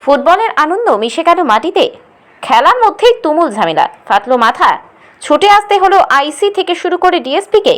ফুটবলের আনন্দ মিশে গেল মাটিতে। খেলার মধ্যেই তুমুল ঝামেলা, ফাটলো মাথা, ছুটে আসতে হলো আইসি থেকে শুরু করে ডিএসপিকে।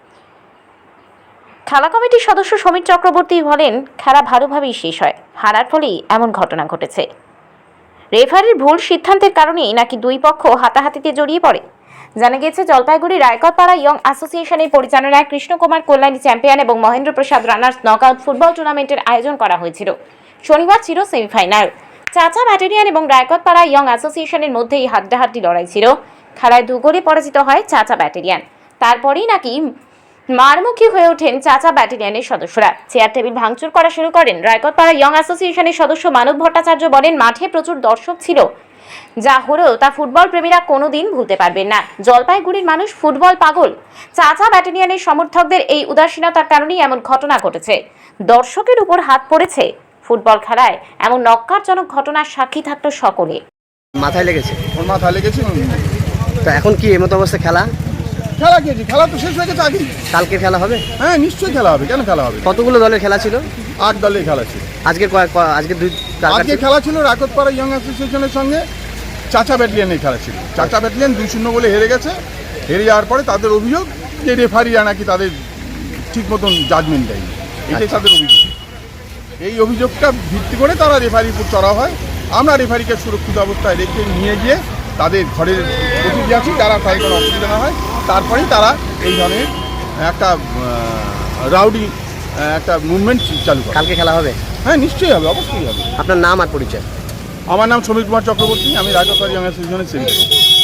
খেলা কমিটির সদস্য সমীর চক্রবর্তী বলেন, খেলা ভালোভাবেই শেষ হয়, হারার ফলেই এমন ঘটনা ঘটেছে। রেফারির ভুল সিদ্ধান্তের কারণেই নাকি দুই পক্ষ হাতাহাতিতে জড়িয়ে পড়ে। জানা গেছে, জলপাইগুড়ি রায়কতপাড়া ইয়ং অ্যাসোসিয়েশনের পরিচালনায় কৃষ্ণকুমার কল্যাণী চ্যাম্পিয়ন এবং Mahendra Prasad runners knockout football টুর্নামেন্টের আয়োজন করা হয়েছিল। শনিবার ছিল সেমিফাইনাল। চাচা ব্যাটালিয়ন এবং রায়কতপাড়া ইয়ং অ্যাসোসিয়েশনের মধ্যেই হাড্ডাহাড্ডি লড়াই ছিল। খেলায় 2 গোলে পরাজিত হয় চাচা ব্যাটালিয়ন। তারপরেই নাকি মারমুখী হয়ে ওঠেন চাচা ব্যাটালিয়নের সদস্যরা। চেয়ার টেবিল ভাঙচুর করা শুরু করেন। রায়কতপাড়া ইয়ং অ্যাসোসিয়েশনের সদস্য মানব ভট্টাচার্য বলেন, মাঠে প্রচুর দর্শক ছিল, যা হলেও তা ফুটবল প্রেমীরা কোনোদিন ভুলতে পারবেন না। জলপাইগুড়ির মানুষ ফুটবল পাগল। চাচা ব্যাটালিয়নের সমর্থকদের এই উদাসীনতার কারণেই এমন ঘটনা ঘটেছে। দর্শকের উপর হাত পড়েছে। ফুটবল খেলায় এমন নক্কারজনক ঘটনার সাক্ষী থাকতো সকলে। মাথায় লেগেছে, ওর মাথায় লেগেছে। তো এখন কি এমতো অবস্থা? খেলা খেলা তো শেষ হয়ে গেছে আগে। কালকে খেলা হবে? হ্যাঁ, নিশ্চয়ই খেলা হবে। কেন খেলা হবে? কতগুলো দলের খেলা ছিল? 8 দলের খেলা ছিল। আজকে আজকে খেলা ছিল রায়কতপাড়া ইয়ং অ্যাসোসিয়েশনের সঙ্গে চাচা ব্যাটালিয়নের খেলা ছিল। চাচা ব্যাটালিয়ন 2-0 বলে হেরে গেছে। হেরে যাওয়ার পরে তাদের অভিযোগ যে রেফারিরা নাকি তাদের ঠিক মতন জাজমেন্ট দেয়নি। এটাই তাদের অভিযোগ। এই অভিযোগটা ভিত্তি করে তারা রেফারির উপর চড়া হয়। আমরা রেফারিকে সুরক্ষিত অবস্থায় রেখে নিয়ে গিয়ে তাদের ঘরের প্রতিনিধি আছি, যারা তাই কোনো অসুবিধা না হয়, তারপরেই তারা এই ধরনের একটা রাউডি একটা মুভমেন্ট চালু করে। কালকে খেলা হবে? হ্যাঁ, নিশ্চয়ই হবে, অবশ্যই হবে। আপনার নাম আর পরিচয়? আমার নাম সমীর কুমার চক্রবর্তী, আমি রায়কতপাড়া ইয়ং অ্যাসোসিয়েশনের সেক্রেটারি।